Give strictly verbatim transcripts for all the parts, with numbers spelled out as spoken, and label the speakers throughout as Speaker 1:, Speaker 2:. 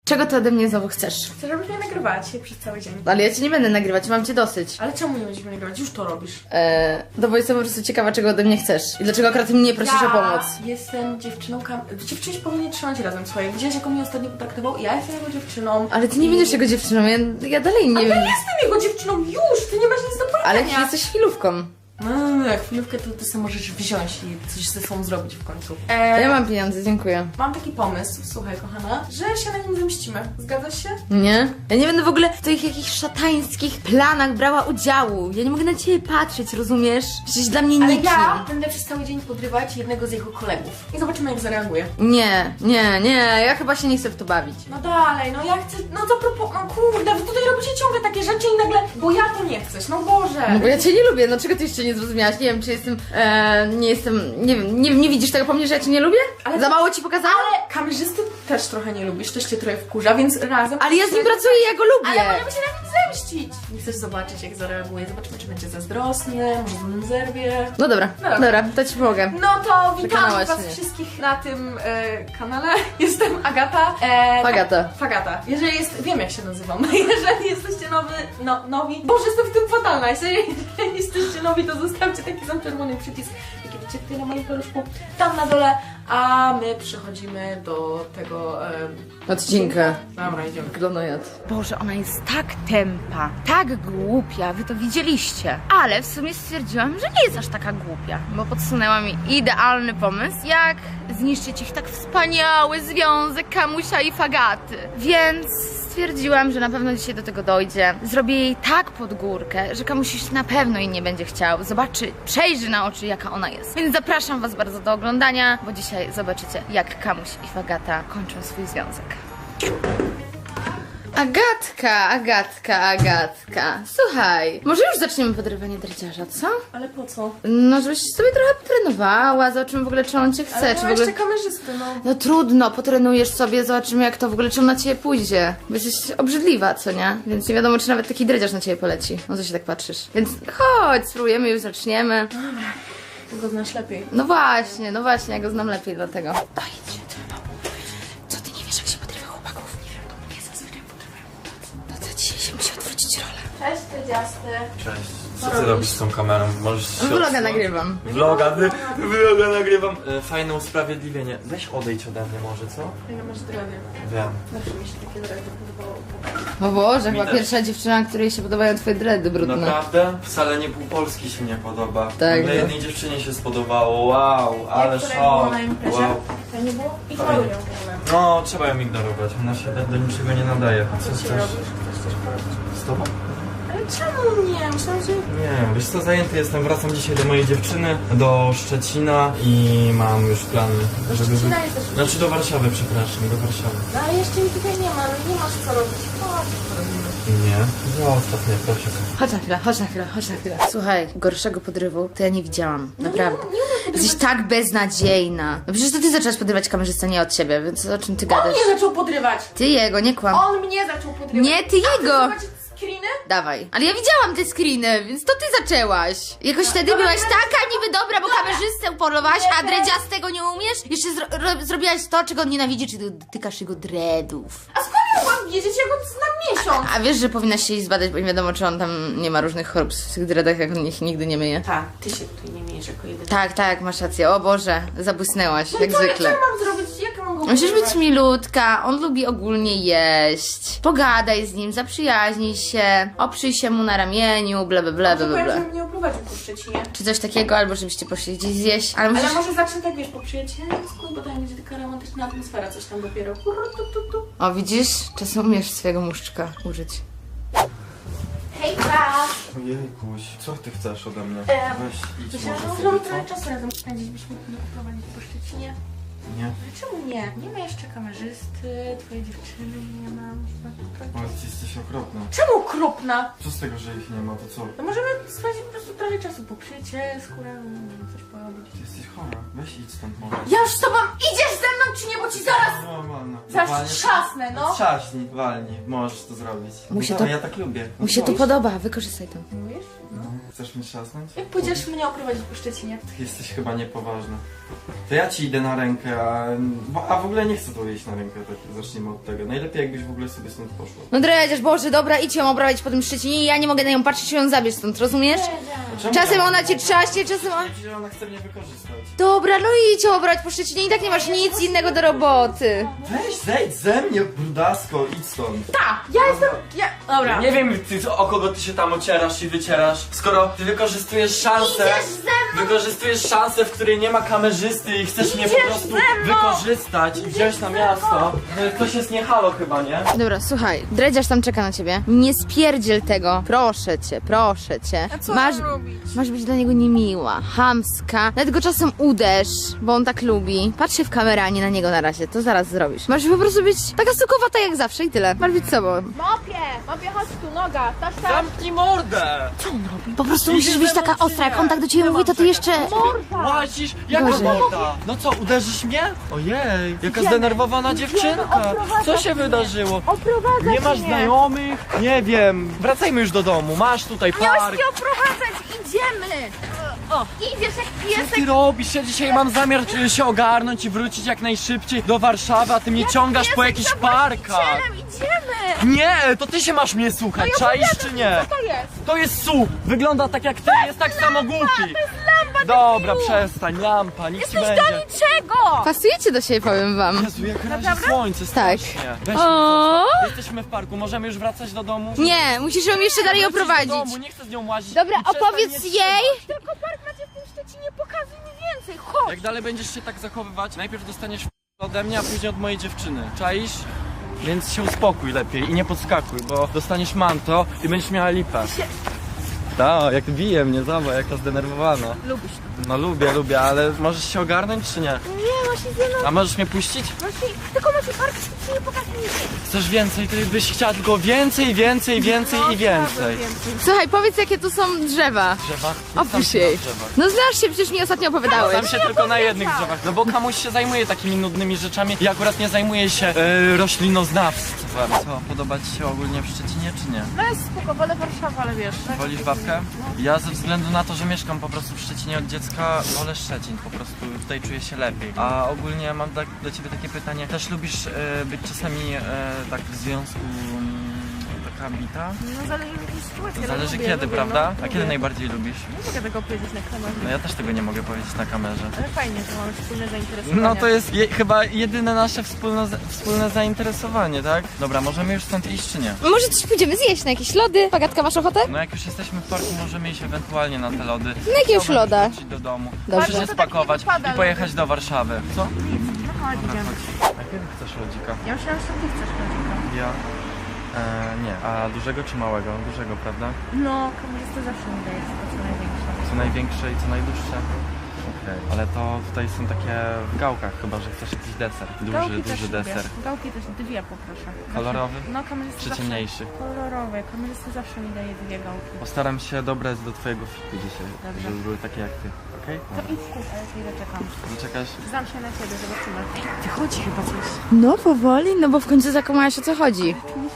Speaker 1: Czego ty ode mnie znowu chcesz?
Speaker 2: Chcę, żebyś mnie nagrywała dzisiaj przez cały dzień.
Speaker 1: Ale ja cię nie będę nagrywać, mam cię dosyć.
Speaker 2: Ale czemu nie będziesz mnie nagrywać? Już to robisz.
Speaker 1: Eee, no bo jestem po prostu ciekawa, czego ode mnie chcesz. I dlaczego akurat mnie prosisz
Speaker 2: ja
Speaker 1: o pomoc.
Speaker 2: jestem dziewczyną kam... Dziewczyny się powinny trzymać razem, słuchaj. Widziałeś, jak on mnie ostatnio potraktował? Ja jestem jego dziewczyną.
Speaker 1: Ale ty nie będziesz jego dziewczyną, ja, ja dalej nie
Speaker 2: Ale
Speaker 1: wiem.
Speaker 2: ja jestem jego dziewczyną już! Ty nie masz nic do powiedzenia.
Speaker 1: Ale ty jesteś chwilówką.
Speaker 2: No, jak chwilówkę to ty sobie możesz wziąć i coś ze sobą zrobić w końcu.
Speaker 1: Ja
Speaker 2: Eee,
Speaker 1: mam pieniądze, dziękuję.
Speaker 2: mam taki pomysł, słuchaj kochana, że się na nim zemścimy. Zgadzasz się?
Speaker 1: Nie? Ja nie będę w ogóle w tych jakichś szatańskich planach brała udziału. Ja nie mogę na ciebie patrzeć, rozumiesz? Jesteś dla mnie
Speaker 2: Ale
Speaker 1: nikim.
Speaker 2: ja będę przez cały dzień podrywać jednego z jego kolegów. I zobaczymy, jak zareaguje.
Speaker 1: Nie, nie, nie, ja chyba się nie chcę w to bawić.
Speaker 2: No dalej, no ja chcę, no zapropo... No kurde, wy tutaj robicie ciągle takie rzeczy i nagle, bo ja to nie chcesz, no Boże.
Speaker 1: No bo ja cię nie lubię, no czego ty jeszcze nie zrozumiałaś? Nie wiem, czy jestem, e, nie jestem, nie wiem, nie, nie widzisz tego po mnie, że ja cię nie lubię?
Speaker 2: Ale
Speaker 1: Za mało ci pokazałam?
Speaker 2: Ale kamerzysty też trochę nie lubisz, też cię trochę wkurza, więc razem...
Speaker 1: Ale ja z nim pracuję, ja go lubię.
Speaker 2: Ale możemy się na nim zemścić. Nie chcesz zobaczyć, jak zareaguje, zobaczymy, czy będzie zazdrosny, może z nim zerwie.
Speaker 1: No dobra,
Speaker 2: No dobra.
Speaker 1: dobra, to ci pomogę.
Speaker 2: No to witam
Speaker 1: Przekonałaś
Speaker 2: was
Speaker 1: mnie.
Speaker 2: wszystkich na tym e, kanale. Jestem Agata. E,
Speaker 1: Fagata.
Speaker 2: Tak, Fagata. Jeżeli jest, wiem jak się nazywam. Jeżeli jesteście nowy, no, nowi. Boże, jestem w tym fatalna. Jeżeli jesteście nowi, to zostawcie taki sam czerwony przycisk, jaki widzicie tutaj na moim paluszku, tam na dole, a my przechodzimy do tego... E,
Speaker 1: Odcinka.
Speaker 2: Dobra, idziemy.
Speaker 1: Glonojad.
Speaker 3: Boże, ona jest tak tępa, tak głupia, wy to widzieliście. Ale w sumie stwierdziłam, że nie jest aż taka głupia, bo podsunęła mi idealny pomysł, jak zniszczyć ich tak wspaniały związek Kamusia i Fagaty. Więc stwierdziłam, że na pewno dzisiaj do tego dojdzie. Zrobię jej tak pod górkę, że Kamuś już na pewno jej nie będzie chciał. Zobaczy, przejrzy na oczy, jaka ona jest. Więc zapraszam was bardzo do oglądania, bo dzisiaj zobaczycie, jak Kamuś i Fagata kończą swój związek.
Speaker 1: Agatka, Agatka, Agatka. Słuchaj, może już zaczniemy podrywanie dredziarza, co?
Speaker 2: Ale po co?
Speaker 1: No, żebyś sobie trochę potrenowała, zobaczymy w ogóle, czy on cię chce,
Speaker 2: Ale
Speaker 1: czy
Speaker 2: no
Speaker 1: w ogóle...
Speaker 2: jeszcze kamerzysty, no.
Speaker 1: No trudno, potrenujesz sobie, zobaczymy jak to w ogóle, czy on na ciebie pójdzie. Bo jesteś obrzydliwa, co nie? Więc nie wiadomo, czy nawet taki dredziarz na ciebie poleci. No co się tak patrzysz? Więc chodź, spróbujemy, już zaczniemy.
Speaker 2: Ty go znasz lepiej.
Speaker 1: No właśnie, no właśnie, ja go znam lepiej dlatego. Dojdź, co ty nie wiesz, jak się podrywa chłopaków? Nie wiem, to mnie zazwyczaj podrywają chłopacy. No to dzisiaj się musi odwrócić rolę.
Speaker 2: Cześć, Dredziasty.
Speaker 4: Cześć. Co ty robisz z tą kamerą? Możesz się
Speaker 1: Vloga
Speaker 4: odsunąć?
Speaker 1: nagrywam.
Speaker 4: Vloga, wy, vloga nagrywam. E, fajne usprawiedliwienie. Weź odejdź ode mnie może, co?
Speaker 2: Ja masz dredy.
Speaker 4: Wiem.
Speaker 2: Zawsze mi się takie dredy podobało.
Speaker 1: O Boże, chyba
Speaker 4: też.
Speaker 1: pierwsza dziewczyna, której się podobają twoje dready brudne.
Speaker 4: Naprawdę? Wcale nie pół Polski się nie podoba.
Speaker 1: Tak,
Speaker 4: Ale
Speaker 1: no.
Speaker 4: jednej dziewczynie się spodobało. Wow, ale
Speaker 2: które było
Speaker 4: szok.
Speaker 2: na imprezie?
Speaker 4: Wow.
Speaker 2: To nie było? I
Speaker 4: Fajnie.
Speaker 2: malują w ogóle.
Speaker 4: No, trzeba ją ignorować. Ona się do niczego nie nadaje.
Speaker 2: Co
Speaker 4: Co
Speaker 2: ci
Speaker 4: chcesz?
Speaker 2: robisz? Chcesz coś porobić?
Speaker 4: Z tobą?
Speaker 2: Ale czemu nie? Myślałam, że...
Speaker 4: Nie, wiesz co, zajęty jestem. Wracam dzisiaj do mojej dziewczyny, do Szczecina i mam już plany, żeby...
Speaker 2: Szczecina jesteś?
Speaker 4: Znaczy do Warszawy, przepraszam, do Warszawy.
Speaker 2: No ale jeszcze mi tutaj nie ma, no nie masz co robić. Chodź, co robimy.
Speaker 4: Nie, zostaw mnie, proszę.
Speaker 1: Chodź na chwilę, chodź na chwilę, chodź na chwilę. Słuchaj, gorszego podrywu to ja nie widziałam, naprawdę.
Speaker 2: Nie, nie umiem
Speaker 1: Jesteś tak beznadziejna. No przecież to ty zaczęłaś podrywać kamerzystę, nie od ciebie, więc o czym ty
Speaker 2: On
Speaker 1: gadasz?
Speaker 2: mnie zaczął podrywać!
Speaker 1: Ty jego, nie kłam.
Speaker 2: On mnie zaczął podrywać!
Speaker 1: Nie, ty
Speaker 2: A chcesz
Speaker 1: jego!
Speaker 2: zobaczyć screeny?
Speaker 1: Dawaj. Ale ja widziałam te screeny, więc to ty zaczęłaś. Jakoś wtedy
Speaker 2: dobra,
Speaker 1: byłaś
Speaker 2: dobra.
Speaker 1: taka niby dobra, bo kamerzystę polowałaś,
Speaker 2: Nie,
Speaker 1: a
Speaker 2: teraz-
Speaker 1: dredziastego nie umiesz? Jeszcze zro ro zrobiłaś to, czego on nienawidzi, czyli dotykasz jego dreadów.
Speaker 2: A skąd ja mogłam wiedzieć? Ja go znam miesiąc!
Speaker 1: A wiesz, że powinnaś się jej zbadać, bo nie wiadomo, czy on tam nie ma różnych chorób w tych dreadach, jak on ich nigdy nie myje.
Speaker 2: Tak, ty się tutaj nie miejesz jako jedyny.
Speaker 1: Tak, tak, masz rację. O Boże, zabłysnęłaś,
Speaker 2: No
Speaker 1: jak
Speaker 2: co,
Speaker 1: zwykle.
Speaker 2: Co mam zrobić? Jak mam go
Speaker 1: Musisz
Speaker 2: podrywać?
Speaker 1: być milutka, on lubi ogólnie jeść. Pogadaj z nim, zaprzyjaźnij się, oprzyj się mu na ramieniu, bla bla bla bla
Speaker 2: Może
Speaker 1: bla.
Speaker 2: powiem,
Speaker 1: bla.
Speaker 2: że mnie oprowadził po Szczecinie.
Speaker 1: Czy coś takiego, albo żebyście poszli gdzieś zjeść. Ale musisz...
Speaker 2: Ale może zacznę tak, wiesz, po przyjacielsku, bo tam będzie taka romantyczna atmosfera, coś tam dopiero. Kurru, tu, tu, tu.
Speaker 1: O, widzisz? Czasem umiesz swojego muszczka użyć.
Speaker 2: Hejka!
Speaker 4: Ojejkuś, co ty chcesz ode mnie?
Speaker 2: Eee,
Speaker 4: Weź idź
Speaker 2: Myślałam,
Speaker 4: może
Speaker 2: że możemy
Speaker 4: sobie,
Speaker 2: trochę
Speaker 4: co?
Speaker 2: czasu razem spędzić, byśmy mnie oprowadzić po Szczecinie.
Speaker 4: Nie?
Speaker 2: Ale czemu nie? Nie ma jeszcze kamerzysty, twojej dziewczyny nie ma. Można trochę-
Speaker 4: Ale ty jesteś okropna.
Speaker 2: Czemu okropna?
Speaker 4: Co z tego, że ich nie ma, to co?
Speaker 2: No możemy spędzić po prostu trochę czasu po przyjacielsku, razem coś porobić.
Speaker 4: Ty jesteś chora. Weź idź stąd może.
Speaker 2: Ja już z tobą idziesz ze mną, czy nie? Bo ci zaraz,
Speaker 4: Normalna.
Speaker 2: zaraz
Speaker 4: Walnie-
Speaker 2: trzasnę, no.
Speaker 4: Trzaśnij, walnij. Możesz to zrobić.
Speaker 1: Mu się
Speaker 4: No
Speaker 1: to-
Speaker 4: dawaj, ja tak lubię. No
Speaker 1: Mu się to
Speaker 4: chodź.
Speaker 1: podoba, wykorzystaj to.
Speaker 2: Mówisz?
Speaker 4: No. Chcesz mnie trzasnąć?
Speaker 2: Jak pójdziesz mnie oprowadzić po Szczecinie?
Speaker 4: Ty jesteś chyba niepoważna. To ja ci idę na rękę rękę, a, bo- a w ogóle nie chcę to jeść na rękę, tak zacznijmy od tego. Najlepiej jakbyś w ogóle sobie stąd poszła.
Speaker 1: No dredziarz, Boże, dobra, idź ją obrabiać po tym Szczecinie i ja nie mogę na nią patrzeć i ją zabierz stąd, rozumiesz?
Speaker 4: Czemu
Speaker 1: Czasem
Speaker 4: ja-
Speaker 1: ona cię trzaśnie, czasem ona...
Speaker 4: Że ona chce mnie wykorzystać.
Speaker 1: Dobra, no idź ją obrać po Szczecinie i tak nie masz nic innego do roboty.
Speaker 4: Weź, zejdź ze mnie, brudasko, idź stąd.
Speaker 2: Tak, ja jestem... Ja... Dobra.
Speaker 4: Nie wiem, ty, o kogo ty się tam ocierasz i wycierasz, skoro ty wykorzystujesz szansę, wykorzystujesz szansę, w której nie ma kamerzysty i chcesz mnie po prostu wykorzystać i wziąć na miasto. No, Coś jest nie halo chyba, nie?
Speaker 1: Dobra, słuchaj, dredziarz tam czeka na ciebie. Nie spierdziel tego. Proszę cię, proszę cię.
Speaker 2: A co
Speaker 1: masz,
Speaker 2: mam robić?
Speaker 1: masz być dla niego niemiła, chamska. Nawet go czasem uderz, bo on tak lubi. Patrz się w kamerę, a nie na niego na razie. To zaraz zrobisz. Masz po prostu być taka sukowata jak zawsze i tyle. Masz być sobą.
Speaker 2: Mopie! Mopie, chodź tu, noga, tasz, tasz.
Speaker 4: Zamknij mordę!
Speaker 1: Po prostu musisz być taka ostra. Jak on tak do ciebie mówi, to ty jeszcze...
Speaker 4: Łazisz? Jaka
Speaker 1: Gorzej.
Speaker 4: morda? No co, uderzysz mnie? Ojej, jaka zdenerwowana dziewczynka. Co się wydarzyło? Nie masz znajomych? Nie wiem. Wracajmy już do domu. Masz tutaj park.
Speaker 3: Nie oprowadzać, idziemy! O, idziesz jak
Speaker 4: Co
Speaker 3: piesek.
Speaker 4: ty robisz? Ja dzisiaj mam zamiar e, się ogarnąć i wrócić jak najszybciej do Warszawy, a ty mnie ciągasz po jakichś parkach.
Speaker 3: Idziemy!
Speaker 4: Nie, to ty się masz mnie słuchać, czaisz czy nie?
Speaker 3: To jest.
Speaker 4: To jest su! Wygląda tak jak ty, jest tak samo głupi! Dobra, przestań, lampa, nic ci będzie.
Speaker 3: Niczego!
Speaker 1: Pasujecie do siebie, powiem wam.
Speaker 4: Jezu, jak razi słońce,
Speaker 1: Tak.
Speaker 4: strasznie. Weź mnie,
Speaker 1: O!
Speaker 4: jesteśmy w parku, możemy już wracać do domu?
Speaker 1: Nie, musisz ją jeszcze dalej
Speaker 4: Wrócić do
Speaker 1: oprowadzić.
Speaker 4: domu, nie chcę z nią łazić.
Speaker 1: Dobra,
Speaker 4: I przestań
Speaker 1: opowiedz
Speaker 4: mnie
Speaker 1: jej.
Speaker 4: trzymać.
Speaker 3: Tylko park macie w tym Szczecinie, pokazuj mi więcej, chodź!
Speaker 4: Jak dalej będziesz się tak zachowywać, najpierw dostaniesz ode mnie, a później od mojej dziewczyny. Czaisz? Więc się uspokój lepiej i nie podskakuj, bo dostaniesz manto i będziesz miała lipę. Tak, jak bije mnie, zobacz, jaka zdenerwowana.
Speaker 3: Lubisz to.
Speaker 4: No lubię, lubię, ale możesz się ogarnąć czy nie?
Speaker 3: Nie, właśnie ze mną,
Speaker 4: A możesz mnie puścić?
Speaker 3: właśnie, tylko macie park w Szczecinie, pokazuj mi więcej.
Speaker 4: Chcesz więcej, ty byś chciała tylko więcej, więcej, więcej i więcej.
Speaker 1: Słuchaj, powiedz jakie tu są drzewa.
Speaker 4: Drzewa?
Speaker 1: Opisz jej. No znasz się, przecież mi ostatnio opowiadałeś.
Speaker 4: Znam się tylko na jednych drzewach, no bo kamuś się zajmuje takimi nudnymi rzeczami i akurat nie zajmuje się e, roślinoznawstwem. Co, podoba ci się ogólnie w Szczecinie czy nie?
Speaker 3: No jest spoko, wolę Warszawę, ale wiesz. tak?
Speaker 4: Wolisz babkę? Ja ze względu na to, że mieszkam po prostu w Szczecinie od dziecka, wolę Szczecin, po prostu tutaj czuję się lepiej. A ogólnie mam tak, do ciebie takie pytanie, też lubisz e, być czasami e, tak w związku mm, taka bita?
Speaker 3: No zależy w jakiej sytuacji. ale
Speaker 4: Zależy
Speaker 3: lubię,
Speaker 4: kiedy,
Speaker 3: lubię,
Speaker 4: prawda?
Speaker 3: No,
Speaker 4: A kiedy
Speaker 3: lubię.
Speaker 4: najbardziej lubisz?
Speaker 3: Nie mogę tego powiedzieć na kamerze.
Speaker 4: No ja też tego nie mogę powiedzieć na kamerze.
Speaker 3: Ale fajnie, że mamy wspólne zainteresowania.
Speaker 4: No to jest je, chyba jedyne nasze wspólne, wspólne zainteresowanie, tak? Dobra, możemy już stąd iść czy nie?
Speaker 1: Może coś pójdziemy zjeść na jakieś lody? Pagatka, masz ochotę?
Speaker 4: No jak już jesteśmy w parku, możemy iść ewentualnie na te lody.
Speaker 1: Na jakiegoś
Speaker 4: Chciałbym
Speaker 1: loda.
Speaker 4: wrócić do domu.
Speaker 1: Dobrze.
Speaker 4: Muszę się spakować
Speaker 3: To tak nie wypada,
Speaker 4: i pojechać do Warszawy. Co?
Speaker 3: No chodź, idziemy.
Speaker 4: A kiedy chcesz lodzika?
Speaker 3: Ja myślałam, że to ty chcesz chodzika.
Speaker 4: Ja? E, nie. A dużego czy małego? Dużego, prawda?
Speaker 3: No, kamerzysta zawsze mi daje to co największe.
Speaker 4: Co największe i co najdłuższe? Okej. Ale to tutaj są takie w gałkach chyba, że chcesz jakiś deser. Duży,
Speaker 3: Gałki
Speaker 4: duży
Speaker 3: też lubię.
Speaker 4: deser.
Speaker 3: Gałki też dwie poproszę.
Speaker 4: Kolorowy?
Speaker 3: No, kamerzysta
Speaker 4: Czy
Speaker 3: zawsze...
Speaker 4: ciemniejszy?
Speaker 3: Kolorowy. Kamerzysta zawsze mi daje dwie gałki.
Speaker 4: Postaram się dobrać do twojego fitu dzisiaj,
Speaker 3: Dobrze.
Speaker 4: żeby były takie jak ty. Okej?
Speaker 3: To idź kup, a ja chwilę czekam.
Speaker 4: Zaczekasz?
Speaker 3: Znam się na ciebie, zobaczymy. Ty chodzi chyba coś.
Speaker 1: No powoli, no bo w końcu zakomałaś o co chodzi.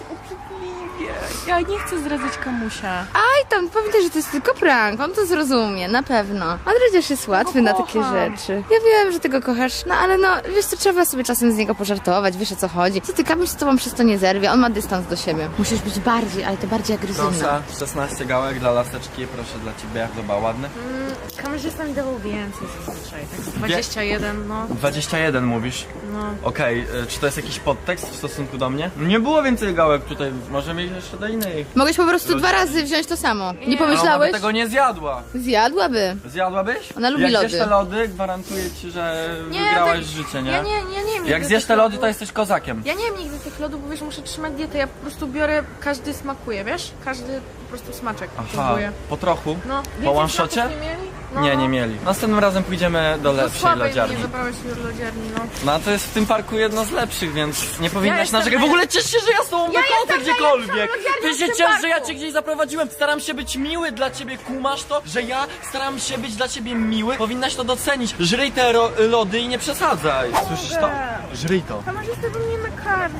Speaker 3: Ja nie chcę zdradzać kamusia.
Speaker 1: Aj tam, pamiętaj, że to jest tylko prank, on to zrozumie, na pewno. A dredziarz jest łatwy na takie
Speaker 3: kocham.
Speaker 1: rzeczy. Ja wiem, że ty go kochasz, no ale no, wiesz co, trzeba sobie czasem z niego pożartować, wiesz o co chodzi. Co ty, Kamuś z tobą przez to nie zerwie, on ma dystans do siebie. Musisz być bardziej, ale to bardziej agresywna.
Speaker 4: Proszę, szesnaście gałek dla laseczki, proszę dla ciebie, jak to ładny.
Speaker 3: Kamerzysta mi dawał więcej zazwyczaj, tak z dwadzieścia jeden, no.
Speaker 4: dwadzieścia jeden mówisz?
Speaker 3: No.
Speaker 4: Okej, y, czy to jest jakiś podtekst w stosunku do mnie? Nie było więcej gałek tutaj, możemy iść jeszcze do innej.
Speaker 1: Mogłeś po prostu dwa razy wziąć to samo. Nie
Speaker 4: Ona by
Speaker 1: pomyślałeś?
Speaker 4: tego nie zjadła.
Speaker 1: Zjadłaby.
Speaker 4: Zjadłabyś?
Speaker 1: Ona lubi
Speaker 4: Jak
Speaker 1: lody.
Speaker 4: zjesz te lody, gwarantuję ci, że
Speaker 3: Nie,
Speaker 4: wygrałaś
Speaker 3: tak-
Speaker 4: życie, nie?
Speaker 3: Ja nie, ja nie wiem.
Speaker 4: Jak
Speaker 3: nigdy
Speaker 4: zjesz
Speaker 3: tych
Speaker 4: te lody,
Speaker 3: lodów.
Speaker 4: to jesteś kozakiem.
Speaker 3: Ja nie wiem nigdy tych lodów, bo wiesz, muszę trzymać dietę. Ja po prostu biorę, każdy smakuje, wiesz? Każdy po prostu smaczek
Speaker 4: Aha,
Speaker 3: próbuję.
Speaker 4: po trochu?
Speaker 3: No,
Speaker 4: Po
Speaker 3: więcej
Speaker 4: one-shocie?
Speaker 3: smaków nie mieli? No,
Speaker 4: Nie,
Speaker 3: no.
Speaker 4: nie mieli. Następnym razem pójdziemy do
Speaker 3: To
Speaker 4: lepszej
Speaker 3: słabej
Speaker 4: lodziarni.
Speaker 3: mnie zabrałeś już lodziarni, no.
Speaker 4: No a to jest w tym parku jedno z lepszych, więc nie powinnaś
Speaker 3: jestem
Speaker 4: narzekać. W ogóle ciesz się, że ja z tobą
Speaker 3: Ja
Speaker 4: wychodzę
Speaker 3: jestem
Speaker 4: gdziekolwiek.
Speaker 3: najlepszą lodziarnią
Speaker 4: Ty
Speaker 3: w
Speaker 4: się
Speaker 3: tym
Speaker 4: ciesz, że ja
Speaker 3: parku.
Speaker 4: cię gdzieś zaprowadziłem. Staram się być miły dla ciebie, kumasz to? Że ja staram się być dla ciebie miły. Powinnaś to docenić. Żryj te ro lody i nie przesadzaj. Słyszysz to? Żryj to.
Speaker 3: Kamerzysta by mnie nakarmił.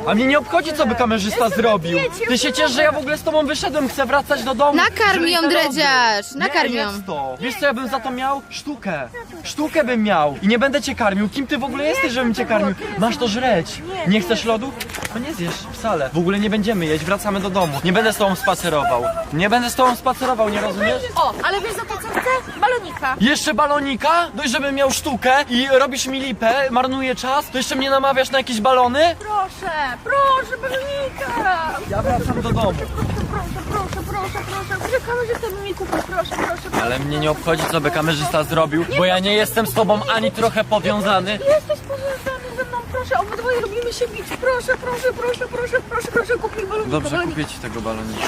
Speaker 4: A mnie nie obchodzi, co by kamerzysta zrobił. Ty się ciesz, że ja w ogóle z tobą wyszedłem, chcę wracać do domu.
Speaker 1: Nakarm
Speaker 4: Żryj
Speaker 1: ją,
Speaker 4: te lody.
Speaker 1: dredziarz, nakarm
Speaker 4: Nie,
Speaker 1: ją.
Speaker 4: jedz to. Wiesz co ja bym za to miał? Sztukę. Sztukę bym miał. I nie będę cię karmił. Kim ty w ogóle jesteś, żebym cię karmił? Masz to żreć. Nie chcesz lodu? To nie zjesz wcale. W ogóle nie będziemy jeść, wracamy do domu. Nie będę z tobą spacerował. Nie będę z tobą spacerował, nie rozumiesz?
Speaker 3: O, ale wiesz za to co chcę? Balonika.
Speaker 4: Jeszcze balonika? Dość, żebym miał sztukę i robisz mi lipę, marnuję czas, to jeszcze mnie namawiasz na jakieś balony?
Speaker 3: Proszę, proszę, balonika.
Speaker 4: Ja wracam do domu.
Speaker 3: Proszę, proszę, proszę, proszę. Proszę, kamerzysta mi kupi, proszę, proszę, proszę.
Speaker 4: Ale mnie nie obchodzi, co by kamerzysta zrobił, bo ja nie jestem z tobą ani trochę powiązany.
Speaker 3: Jesteś powiązany ze mną, proszę, obydwoje lubimy się bić. Proszę, proszę, proszę, proszę, proszę, proszę, kup mi balonika.
Speaker 4: Dobrze,
Speaker 3: balonika.
Speaker 4: kupię ci tego balonika.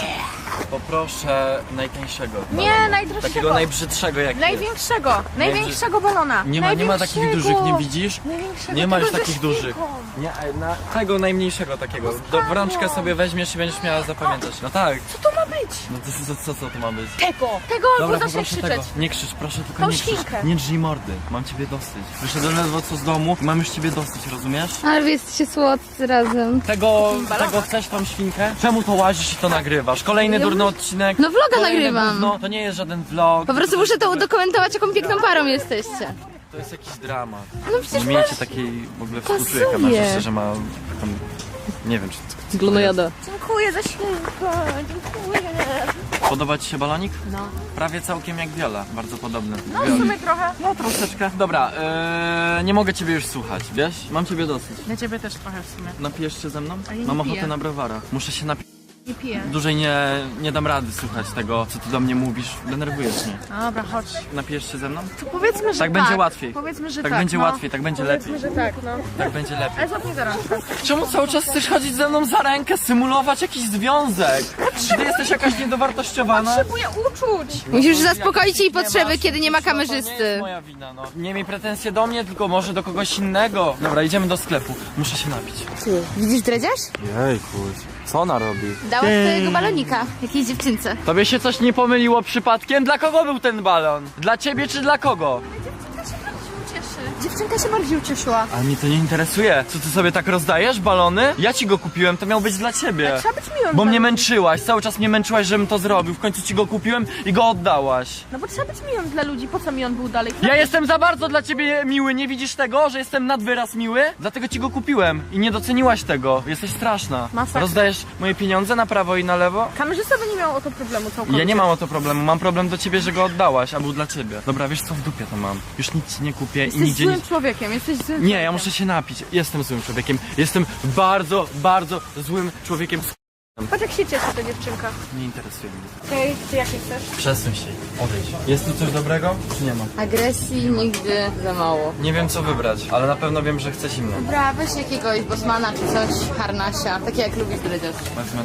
Speaker 4: Poproszę najtańszego.
Speaker 3: Nie,
Speaker 4: balonu.
Speaker 3: najdroższego.
Speaker 4: Takiego najbrzydszego jak jest.
Speaker 3: Największego, największego balona.
Speaker 4: Nie ma, nie ma takich
Speaker 3: Największego.
Speaker 4: dużych, nie widzisz?
Speaker 3: Największego,
Speaker 4: Nie ma już
Speaker 3: tego ze
Speaker 4: takich dużych.
Speaker 3: świnką.
Speaker 4: Nie, na tego najmniejszego takiego. Do, w rączkę sobie weźmiesz i będziesz miała zapamiętać. No tak.
Speaker 3: Co to ma być?
Speaker 4: No to co, co, co to ma być?
Speaker 3: Tego, tego
Speaker 4: Dobra,
Speaker 3: albo zaczynaj
Speaker 4: poproszę
Speaker 3: krzyczeć.
Speaker 4: tego. Nie krzycz, proszę, tylko
Speaker 3: Tą
Speaker 4: nie krzycz.
Speaker 3: świnkę.
Speaker 4: Nie drzyj mordy. Mam ciebie dosyć. Wyszedłem ledwo co z domu i mam już ciebie dosyć, rozumiesz?
Speaker 1: Ale wy jesteście słodcy razem.
Speaker 4: Tego, tego chcesz tą świnkę? Czemu to łazisz i to nagrywasz? Kolejny durny odcinek.
Speaker 1: No vloga
Speaker 4: Kolejne
Speaker 1: nagrywam.
Speaker 4: gówno. To nie jest żaden vlog.
Speaker 1: Po prostu muszę to udokumentować, jaką piękną parą jesteście.
Speaker 4: To jest jakiś dramat.
Speaker 1: No przecież
Speaker 4: Nie miejcie takiej w ogóle współczuję
Speaker 1: pasuje.
Speaker 4: kamerzysty, że ma tam, nie wiem czy to,
Speaker 1: Glonojada.
Speaker 3: Dziękuję za świnkę, dziękuję.
Speaker 4: podoba ci się balonik?
Speaker 3: No.
Speaker 4: Prawie całkiem jak Viola, bardzo podobny.
Speaker 3: No w sumie trochę.
Speaker 4: No troszeczkę. Dobra, yy, nie mogę ciebie już słuchać, wiesz? Mam ciebie dosyć.
Speaker 3: Dla ciebie też trochę w sumie.
Speaker 4: Napijesz się ze mną?
Speaker 3: Ale nie
Speaker 4: Mam ochotę
Speaker 3: piję.
Speaker 4: na browara. Muszę się napić.
Speaker 3: Nie piję.
Speaker 4: Dłużej nie, nie dam rady słuchać tego, co ty do mnie mówisz. Denerwujesz mnie.
Speaker 3: Dobra, chodź.
Speaker 4: Napijesz się ze mną?
Speaker 3: To powiedzmy, że
Speaker 4: Tak
Speaker 3: tak.
Speaker 4: będzie łatwiej.
Speaker 3: Powiedzmy, że
Speaker 4: Tak
Speaker 3: tak.
Speaker 4: będzie
Speaker 3: no.
Speaker 4: łatwiej, tak będzie
Speaker 3: Powiedzmy,
Speaker 4: lepiej.
Speaker 3: że tak, no.
Speaker 4: Tak będzie lepiej.
Speaker 3: Ale złap mnie za rączkę.
Speaker 4: Czemu cały czas chcesz chodzić ze mną za rękę, symulować jakiś związek? Czy ty jesteś jakaś niedowartościowana?
Speaker 3: Potrzebuję uczuć.
Speaker 1: Musisz zaspokoić jej
Speaker 4: Nie
Speaker 1: potrzeby,
Speaker 4: masz,
Speaker 1: kiedy nie ma
Speaker 4: to nie jest
Speaker 1: kamerzysty.
Speaker 4: moja wina, no. Nie miej pretensje do mnie, tylko może do kogoś innego. Dobra, idziemy do sklepu. Muszę się napić.
Speaker 1: Ty, widzisz dredziarz?
Speaker 4: Jejku, co ona robi?
Speaker 1: Dała swojego balonika jakiejś dziewczynce.
Speaker 4: Tobie się coś nie pomyliło przypadkiem? Dla kogo był ten balon? Dla ciebie czy dla kogo?
Speaker 3: Dziewczynka się bardziej ucieszyła.
Speaker 4: A mnie to nie interesuje. Co ty sobie tak rozdajesz, balony? Ja ci go kupiłem, to miał być dla ciebie.
Speaker 3: Trzeba być miłym.
Speaker 4: Bo
Speaker 3: dla
Speaker 4: mnie
Speaker 3: ludzi.
Speaker 4: męczyłaś, cały czas mnie męczyłaś, żebym to zrobił. W końcu ci go kupiłem i go oddałaś.
Speaker 3: No bo trzeba być miłym dla ludzi. Po co mi on był dalej?
Speaker 4: Ja jestem za bardzo dla ciebie miły, nie widzisz tego, że jestem nad wyraz miły? Dlatego ci go kupiłem i nie doceniłaś tego. Jesteś straszna.
Speaker 3: Masakra.
Speaker 4: Rozdajesz moje pieniądze na prawo i na lewo?
Speaker 3: Kamerzysta by nie miał o to problemu całkowicie.
Speaker 4: Ja nie mam o to problemu, mam problem do ciebie, że go oddałaś, a był dla ciebie. Dobra, wiesz co, w dupie to mam. Już nic ci nie kupię
Speaker 3: Jesteś
Speaker 4: i nigdzie
Speaker 3: złym
Speaker 4: nic...
Speaker 3: człowiekiem, jesteś złym
Speaker 4: Nie,
Speaker 3: człowiekiem.
Speaker 4: ja muszę się napić. Jestem złym człowiekiem. Jestem bardzo, bardzo złym człowiekiem.
Speaker 3: Patrz jak się cieszy ta dziewczynka.
Speaker 4: Nie interesuje mnie.
Speaker 3: Okej, ty jakie chcesz?
Speaker 4: Przesuń się. Odejdź. Jest tu coś dobrego? Czy nie ma?
Speaker 1: Agresji nigdy za mało.
Speaker 4: Nie wiem co wybrać, ale na pewno wiem, że chcę zimno.
Speaker 1: Dobra, weź jakiegoś Bosmana czy coś, harnasia, takie jak lubisz dredziarz.
Speaker 4: Wezmę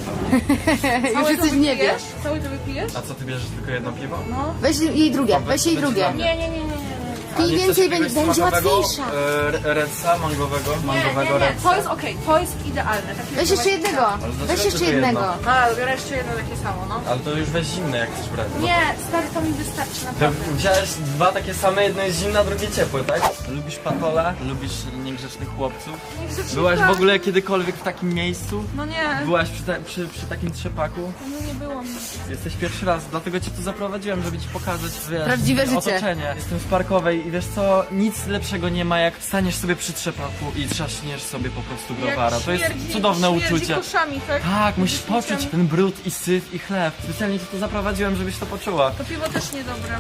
Speaker 4: to.
Speaker 1: Już jesteś w niebie.
Speaker 3: Cały to wypijesz?
Speaker 4: A co, ty bierzesz tylko jedno piwo?
Speaker 1: Weź jej drugie, weź jej
Speaker 4: Będzie
Speaker 1: drugie.
Speaker 4: dla mnie.
Speaker 3: Nie, nie, nie, nie, nie.
Speaker 4: A nie
Speaker 1: Pij
Speaker 4: chcesz
Speaker 1: więcej,
Speaker 4: jakiegoś
Speaker 1: będzie, będzie
Speaker 4: smakowego,
Speaker 1: łatwiejsza.
Speaker 4: e, Redsa, mangowego,
Speaker 3: Nie,
Speaker 4: mangowego
Speaker 3: nie, nie,
Speaker 4: redsa.
Speaker 3: to jest okej, to jest idealne. Takie
Speaker 1: Weź jeszcze jednego,
Speaker 4: dlaczego
Speaker 1: weź jeszcze
Speaker 4: tylko
Speaker 1: jednego.
Speaker 4: jedno?
Speaker 3: A, biorę jeszcze jedno takie samo, no.
Speaker 4: Ale to już weź zimne, jak chcesz brać.
Speaker 3: Nie, stary, to mi wystarczy
Speaker 4: To
Speaker 3: naprawdę.
Speaker 4: wziąłeś dwa takie same, jedno jest zimne, a drugie ciepłe, tak? Lubisz patole? Lubisz niegrzecznych chłopców?
Speaker 3: Niegrzecznych
Speaker 4: Byłaś w
Speaker 3: tak.
Speaker 4: ogóle kiedykolwiek w takim miejscu?
Speaker 3: No nie,
Speaker 4: Byłaś przy, te, przy, przy takim trzepaku?
Speaker 3: no nie było mi.
Speaker 4: Jesteś pierwszy raz, dlatego cię tu zaprowadziłem, żeby ci pokazać, wiesz,
Speaker 1: Prawdziwe życie.
Speaker 4: otoczenie. Jestem z Parkowej i wiesz co, nic lepszego nie ma, jak staniesz sobie przy trzepaku i trzaśniesz sobie po prostu browara. To jest
Speaker 3: śmierdzi-
Speaker 4: cudowne
Speaker 3: śmierdzi
Speaker 4: uczucie.
Speaker 3: koszami, tak?
Speaker 4: Tak, musisz
Speaker 3: Śmierdzi
Speaker 4: poczuć
Speaker 3: koszami.
Speaker 4: ten brud i syf i chleb. Specjalnie cię tu zaprowadziłem, żebyś to poczuła.
Speaker 3: To piwo też niedobre.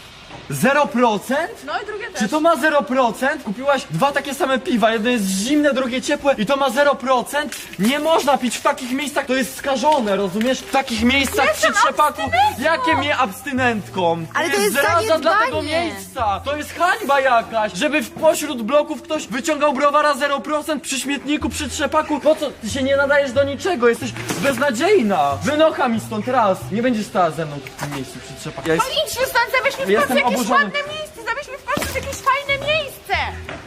Speaker 4: zero procent?
Speaker 3: No i drugie też.
Speaker 4: Czy to ma zero procent? Kupiłaś dwa takie same piwa, jedno jest zimne, drugie ciepłe i to ma zero procent? Nie można pić w takich miejscach, to jest skażone, rozumiesz? W takich miejscach przy trzepaku, jakie mnie abstynentką?
Speaker 1: Ale to jest
Speaker 4: zaraza dla tego
Speaker 1: zaniedbanie.
Speaker 4: miejsca, to jest hańba jakaś, żeby w pośród bloków ktoś wyciągał browara zero procent przy śmietniku, przy trzepaku. Po co? Ty się nie nadajesz do niczego, jesteś beznadziejna. Wynocha mi stąd raz, nie będziesz stała ze mną w tym miejscu przy trzepaku. Ja jest...
Speaker 3: Idź się stąd, zabierz mi w
Speaker 4: Jestem
Speaker 3: końcu jakieś
Speaker 4: oburzony.
Speaker 3: ładne miejsce, zabierz mi w końcu jakieś fajne miejsce!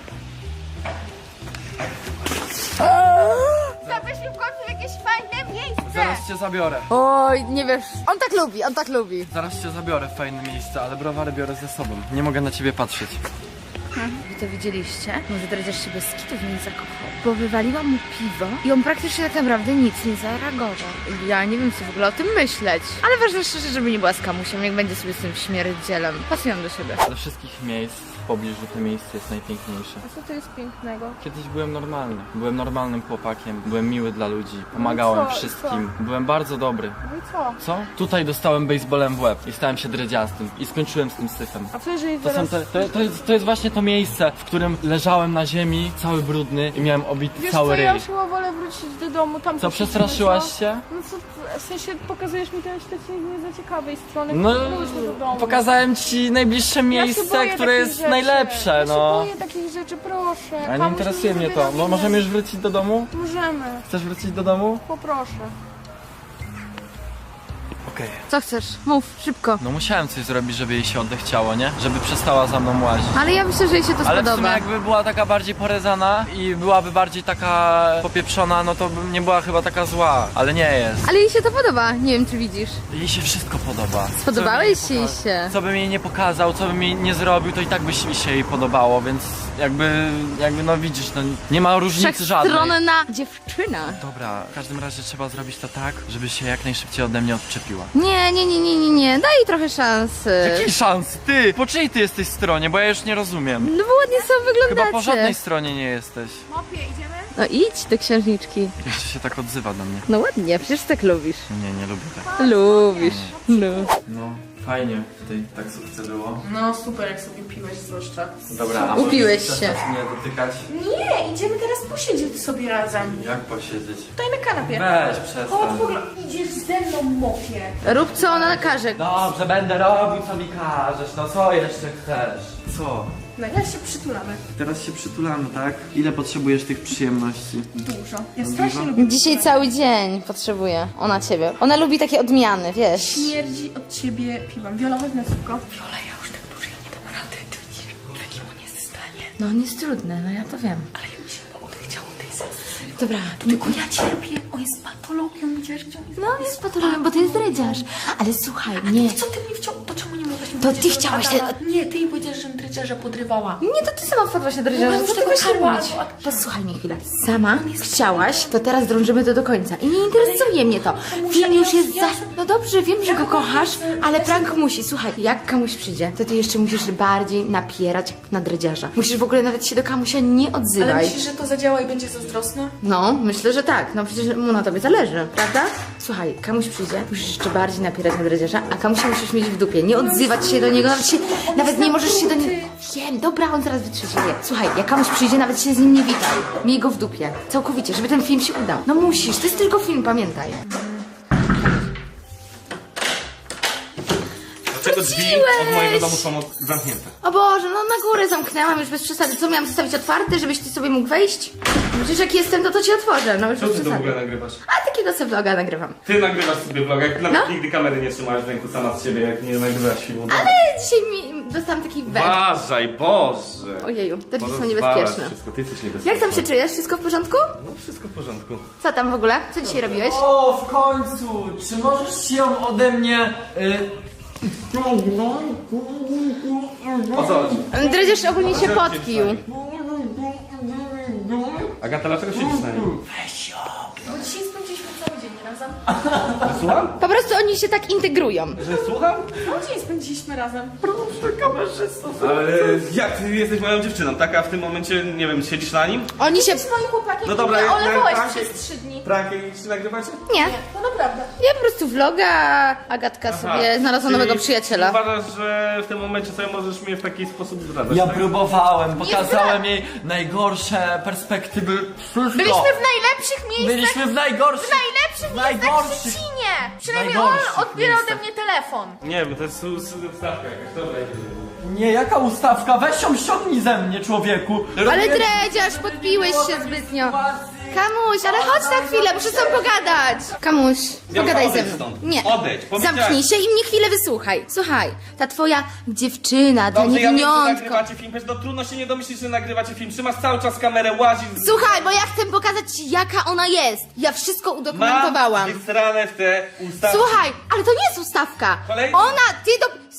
Speaker 3: Zabierz mi w końcu jakieś fajne miejsce!
Speaker 4: Zaraz cię zabiorę.
Speaker 1: Oj, nie wiesz, on tak lubi, on tak lubi.
Speaker 4: Zaraz cię zabiorę w fajne miejsce, ale browary biorę ze sobą. Nie mogę na ciebie patrzeć.
Speaker 3: Wy to widzieliście? Może dredziarz się bez kitów nie zakochał. Bo wywaliłam mu piwo i on praktycznie tak naprawdę nic nie zareagował. Ja nie wiem, co w ogóle o tym myśleć. Ale ważne szczerze, żeby nie była z kamusiem, niech będzie sobie z tym śmierdzielem. Pasują do siebie.
Speaker 4: Ze wszystkich miejsc w pobliżu to miejsce jest najpiękniejsze.
Speaker 3: A co to jest pięknego?
Speaker 4: Kiedyś byłem normalny. Byłem normalnym chłopakiem. Byłem miły dla ludzi. Pomagałem
Speaker 3: co?
Speaker 4: wszystkim. Byłem bardzo dobry.
Speaker 3: No i co?
Speaker 4: Co? Tutaj dostałem baseballem w łeb i stałem się dredziastym. I skończyłem z tym syfem.
Speaker 3: A co jeżeli
Speaker 4: To, są te, to, to, jest, to jest właśnie to miejsce, w którym leżałem na ziemi, cały brudny i miałem obity
Speaker 5: Wiesz
Speaker 4: cały
Speaker 5: co,
Speaker 4: ryj.
Speaker 5: ja już chyba wolę wrócić do domu, tam
Speaker 4: Co,
Speaker 5: posiedzimy,
Speaker 4: przestraszyłaś
Speaker 5: co?
Speaker 4: się?
Speaker 5: No co, w sensie pokazujesz mi ten śledztwo nie za ciekawej strony,
Speaker 4: No,
Speaker 5: wróćmy do domu.
Speaker 4: pokazałem ci najbliższe
Speaker 5: Ja się
Speaker 4: miejsce,
Speaker 5: boję
Speaker 4: które
Speaker 5: takich
Speaker 4: jest
Speaker 5: rzeczy.
Speaker 4: najlepsze,
Speaker 5: ja
Speaker 4: no.
Speaker 5: się boję takich rzeczy, proszę.
Speaker 4: A nie
Speaker 5: Kamuś
Speaker 4: interesuje mnie
Speaker 5: zabiera
Speaker 4: to. Mo-
Speaker 5: mi
Speaker 4: możemy
Speaker 5: nas.
Speaker 4: już wrócić do domu?
Speaker 5: Możemy,
Speaker 4: Chcesz wrócić do domu?
Speaker 5: poproszę.
Speaker 4: Okej.
Speaker 1: Co chcesz? Mów, szybko.
Speaker 4: No musiałem coś zrobić, żeby jej się odechciało, nie? Żeby przestała za mną łazić.
Speaker 1: Ale ja myślę, że jej się to
Speaker 4: Ale w sumie
Speaker 1: spodoba.
Speaker 4: jakby była taka bardziej porezana i byłaby bardziej taka popieprzona, no to bym nie była chyba taka zła. Ale nie jest.
Speaker 1: Ale jej się to podoba, nie wiem czy widzisz.
Speaker 4: Jej się wszystko podoba.
Speaker 1: Spodobałeś
Speaker 4: Co bym jej
Speaker 1: się
Speaker 4: poka-
Speaker 1: się.
Speaker 4: Co bym jej nie pokazał, co bym jej nie zrobił, to i tak by się się jej podobało, więc jakby, jakby no widzisz, no nie ma różnicy żadnej.
Speaker 1: Wszechstronna dziewczyna.
Speaker 4: Dobra, w każdym razie trzeba zrobić to tak, żeby się jak najszybciej ode mnie odczepiła.
Speaker 1: Nie, nie, nie, nie, nie, nie. Daj jej trochę szansy.
Speaker 4: Jakiej szans? Ty! Po czyjej ty jesteś stronie? Bo ja już nie rozumiem.
Speaker 1: No bo ładnie sobie wyglądacie.
Speaker 4: Chyba po żadnej stronie nie jesteś.
Speaker 5: Mopie, idziemy?
Speaker 1: No idź do księżniczki.
Speaker 4: Jeszcze się tak odzywa do mnie.
Speaker 1: No ładnie, przecież tak lubisz.
Speaker 4: Nie, nie lubię tak.
Speaker 1: Lubisz. No.
Speaker 4: No, fajnie w tej taksówce było.
Speaker 2: No super, jak sobie piłeś zwłaszcza.
Speaker 4: Dobra, a
Speaker 1: Upiłeś
Speaker 4: możesz
Speaker 1: się.
Speaker 4: przestać mnie dotykać?
Speaker 2: Nie, idziemy teraz posiedzieć sobie razem.
Speaker 4: Jak posiedzieć?
Speaker 2: Tutaj na kanapie.
Speaker 4: Weź,
Speaker 2: Chodź,
Speaker 4: przestań.
Speaker 2: w ogóle idziesz ze mną, mopie.
Speaker 1: Rób co ona każe.
Speaker 4: Dobrze, będę robił co mi każesz. No co jeszcze chcesz? Co?
Speaker 2: No teraz się przytulamy.
Speaker 4: Teraz się przytulamy, tak? Ile potrzebujesz tych przyjemności?
Speaker 2: Dużo. Ja strasznie lubię.
Speaker 1: Dzisiaj cały dzień potrzebuje. Ona ciebie. Ona lubi takie odmiany, wiesz.
Speaker 2: Śmierdzi od ciebie piwem. Wiola, chodź na szybko. Wiola, ja już tak dłużej nie dam rady. Ty widzisz, jaki on jest w stanie.
Speaker 1: No on jest trudny, no ja to wiem.
Speaker 2: Ale ja mi się odechciało tej sesji.
Speaker 1: Dobra,
Speaker 2: Tylko ja cierpię. On jest patologią, widzisz, gdzie on jest.
Speaker 1: no on jest patologiem, bo to jest dredziarz. Ale słuchaj, nie.
Speaker 2: Co ty mi wciął? To czemu nie mogłaś mi
Speaker 1: To
Speaker 2: powiedzieć,
Speaker 1: ty
Speaker 2: że
Speaker 1: chciałaś
Speaker 2: Adama- Nie, ty jej powiedziałeś, że dredziarza podrywała.
Speaker 1: Nie, to ty sama wpadłaś na dredziarza.
Speaker 2: No,
Speaker 1: Co ty
Speaker 2: tego
Speaker 1: masz
Speaker 2: karła,
Speaker 1: robić?
Speaker 2: albo-
Speaker 1: Posłuchaj mnie chwilę. Sama chciałaś, to teraz drążymy to do końca. I nie interesuje mnie to. Film już jest za... No dobrze, wiem, że go kochasz, ale prank musi. Słuchaj, jak kamuś przyjdzie, to ty jeszcze musisz bardziej napierać na dredziarza. Musisz w ogóle nawet się do kamusia nie
Speaker 2: Ale
Speaker 1: odzywaj.
Speaker 2: myślisz, że to zadziała i będzie zazdrosna?
Speaker 1: No, myślę, że tak. No przecież mu na tobie zależy, prawda? Słuchaj, kamuś przyjdzie, musisz jeszcze bardziej napierać na dredziarza, a kamusia musisz mieć w dupie. Nie odzywać się do niego, nawet, się, nawet nie możesz się do niego... Wiem, dobra, on zaraz wytrzymie. Słuchaj, jak kamuś przyjdzie, nawet się z nim nie witaj. Miej go w dupie. Całkowicie, żeby ten film się udał. No musisz, to jest tylko film, pamiętaj.
Speaker 6: Dlaczego drzwi od mojego domu są od- zamknięte?
Speaker 1: O Boże, no na górę zamknęłam już bez przesady. Co, miałam zostawić otwarte, żebyś ty sobie mógł wejść? Przecież jak jestem, to to ci otworzę, no już
Speaker 6: Co
Speaker 1: bez
Speaker 6: ty to w
Speaker 1: przesady.
Speaker 6: ogóle nagrywasz?
Speaker 1: A takiego sobie vloga nagrywam.
Speaker 6: Ty nagrywasz sobie vlog, jak
Speaker 1: No.
Speaker 6: nawet nigdy kamery nie trzymałaś w ręku sama z siebie, jak nie nagrywasz filmu.
Speaker 1: Ale dzisiaj mi dostałam taki węd.
Speaker 6: Uważaj, Boże!
Speaker 1: Ojeju, te drzwi są
Speaker 6: Porozwalasz
Speaker 1: niebezpieczne.
Speaker 6: Wszystko, ty jesteś niebezpieczny.
Speaker 1: Jak tam się czujesz? Wszystko w porządku?
Speaker 6: No wszystko w porządku.
Speaker 1: Co tam w ogóle? Co dzisiaj robiłeś?
Speaker 4: O, w końcu! Czy możesz się ode mnie... Y...
Speaker 6: O co chodzi?
Speaker 1: Dredziarz ogólnie się podpił.
Speaker 6: Agata, dlaczego siedzisz na nim?
Speaker 2: Bo dzisiaj spędziliśmy cały dzień razem.
Speaker 6: Że słucham?
Speaker 1: Po prostu oni się tak integrują.
Speaker 6: Że słucham?
Speaker 2: Cały dzień spędziliśmy razem.
Speaker 6: Ale jak ty jesteś moją dziewczyną, tak? A w tym momencie, nie wiem, siedzisz na nim?
Speaker 1: Oni się...
Speaker 2: Z moim chłopakiem
Speaker 6: No dobra,
Speaker 2: mnie
Speaker 6: jak-
Speaker 2: olewałeś
Speaker 6: jak-
Speaker 2: przez trzy dni.
Speaker 6: Prank jakiś nagrywacie?
Speaker 1: Nie.
Speaker 2: No naprawdę.
Speaker 1: Ja po prostu vloga, a Agatka sobie znalazła
Speaker 6: Czyli
Speaker 1: nowego przyjaciela.
Speaker 6: Uważasz, że w tym momencie sobie możesz mnie w taki sposób zdradzać,
Speaker 4: Ja
Speaker 6: tak?
Speaker 4: próbowałem, pokazałem jej najgorsze perspektywy. Wszystko.
Speaker 5: Byliśmy w najlepszych miejscach,
Speaker 4: Byliśmy w najgorszych.
Speaker 5: w najlepszych miejscach w
Speaker 4: najgorszych.
Speaker 5: Szczecinie. Przynajmniej on
Speaker 4: najgorszych
Speaker 5: odbiera ode
Speaker 4: miejscach.
Speaker 5: mnie telefon.
Speaker 6: Nie wiem, to jest su- su- wstawka jakaś, dobra.
Speaker 4: Nie, jaka ustawka? Weź ją ściągnij ze mnie, człowieku.
Speaker 1: Ale
Speaker 4: Robię-
Speaker 1: dredziarz, podpiłeś się zbytnio. Kamuś, ale chodź na chwilę, muszę z tobą pogadać. Kamuś,
Speaker 6: Ja
Speaker 1: pogadaj
Speaker 6: odejdź
Speaker 1: ze mną.
Speaker 6: stąd.
Speaker 1: Nie.
Speaker 6: Odejdź, powiedziałem.
Speaker 1: Zamknij się i mnie chwilę wysłuchaj. Słuchaj, ta twoja dziewczyna, ta
Speaker 6: Dobrze, ja wiem, że
Speaker 1: niewiniątko.
Speaker 6: nagrywacie film, przecież no trudno się nie domyślić, że nagrywacie film. Trzymasz cały czas kamerę, łazisz... z-
Speaker 1: Słuchaj, bo ja chcę pokazać ci, jaka ona jest. Ja wszystko udokumentowałam.
Speaker 6: Mam wysrane w te ustawki.
Speaker 1: Słuchaj, ale to nie jest ustawka.
Speaker 6: Kolejny?
Speaker 1: Ona, ty do...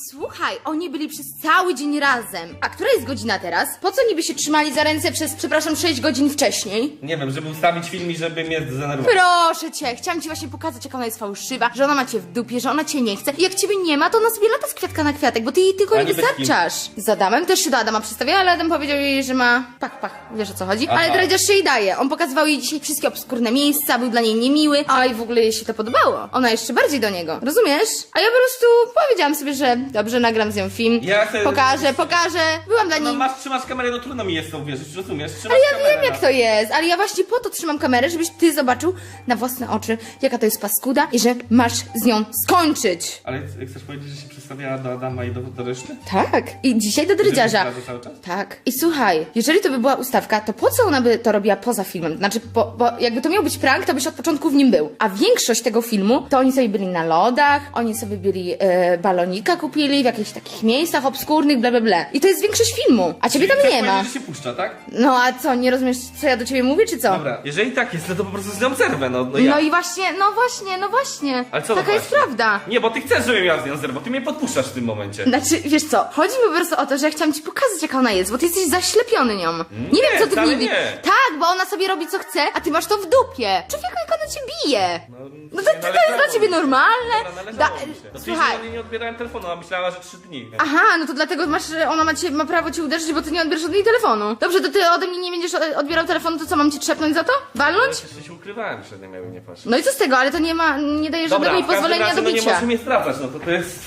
Speaker 1: Słuchaj, oni byli przez cały dzień razem. A która jest godzina teraz? Po co niby się trzymali za ręce przez, przepraszam, sześć godzin wcześniej?
Speaker 6: Nie wiem, żeby ustawić film i żeby mnie zdenerwować.
Speaker 1: Proszę cię, chciałam ci właśnie pokazać, jak ona jest fałszywa, że ona ma cię w dupie, że ona cię nie chce. I jak ciebie nie ma, to ona sobie lata z kwiatka na kwiatek, bo ty jej tylko
Speaker 6: A
Speaker 1: nie
Speaker 6: niby z kim?
Speaker 1: wystarczasz. Z Adamem też się do Adama przedstawia, ale Adam powiedział jej, że ma pach, pach, wiesz o co chodzi.
Speaker 6: Aha.
Speaker 1: Ale dredziarz się jej daje. On pokazywał jej dzisiaj wszystkie obskurne miejsca, był dla niej niemiły, a i w ogóle jej się to podobało. Ona jeszcze bardziej do niego, rozumiesz? A ja po prostu powiedziałam sobie, że dobrze, nagram z nią film,
Speaker 6: Ja chcę-
Speaker 1: pokażę, pokażę. Byłam dla
Speaker 6: No
Speaker 1: niej...
Speaker 6: masz, trzymasz kamerę, no trudno mi jest w to uwierzyć, rozumiesz? Trzymasz
Speaker 1: Ale ja
Speaker 6: kamerę,
Speaker 1: wiem, jak
Speaker 6: no.
Speaker 1: to jest, ale ja właśnie po to trzymam kamerę, żebyś ty zobaczył na własne oczy, jaka to jest paskuda i że masz z nią skończyć.
Speaker 6: Ale chcesz powiedzieć, że się przedstawiała do Adama i do, do reszty?
Speaker 1: Tak. I dzisiaj do drydziarza.
Speaker 6: Że cały czas?
Speaker 1: Tak. I słuchaj, jeżeli to by była ustawka, to po co ona by to robiła poza filmem? Znaczy, po, bo jakby to miał być prank, to byś od początku w nim był. A większość tego filmu, to oni sobie byli na lodach, oni sobie byli e, balonika kupili w jakichś takich miejscach obskurnych, bla bla bla. I to jest większość filmu, a ciebie tam
Speaker 6: Chcesz
Speaker 1: nie ma.
Speaker 6: powiedzieć, że się puszcza, tak?
Speaker 1: No a co, nie rozumiesz, co ja do ciebie mówię, czy co?
Speaker 6: Dobra, jeżeli tak jest, no to po prostu z nią zerwę, no, no ja.
Speaker 1: No i właśnie, no właśnie, no właśnie.
Speaker 6: Ale co to
Speaker 1: Taka jest
Speaker 6: właśnie?
Speaker 1: prawda.
Speaker 6: Nie, bo ty chcesz, żebym ja z nią zerwał, ty mnie podpuszczasz w tym momencie.
Speaker 1: Znaczy, wiesz co, chodzi mi po prostu o to, że ja chciałam ci pokazać, jaka ona jest, bo ty jesteś zaślepiony nią. Nie, wiem, co ty w
Speaker 6: wcale
Speaker 1: niej wi-
Speaker 6: nie.
Speaker 1: Tak, bo ona sobie robi co chce, a ty masz to w dupie. Człowieku, jak ona cię bije.
Speaker 6: No,
Speaker 1: No to, to, to jest dla ciebie normalne?
Speaker 6: Dobra,
Speaker 1: Da,
Speaker 6: należało mi się. No,
Speaker 1: słuchaj.
Speaker 6: Słuchaj. Nie odbierałem telefonu, a myślała, że trzy dni. Nie?
Speaker 1: Aha, no to dlatego masz, ona ma, cię, ma prawo cię uderzyć, bo ty nie odbierasz od niej telefonu. Dobrze, to ty ode mnie nie będziesz e, odbierał telefonu, to co, mam cię trzepnąć za to? Walnąć?
Speaker 6: Jeszcze się ukrywałem przed nim, jakby nie patrz.
Speaker 1: No i co z tego, ale to nie ma, nie daje żadnego mi
Speaker 6: w każdym
Speaker 1: pozwolenia
Speaker 6: razie,
Speaker 1: do
Speaker 6: no nie
Speaker 1: bicia.
Speaker 6: możesz mnie stracać, no to to jest...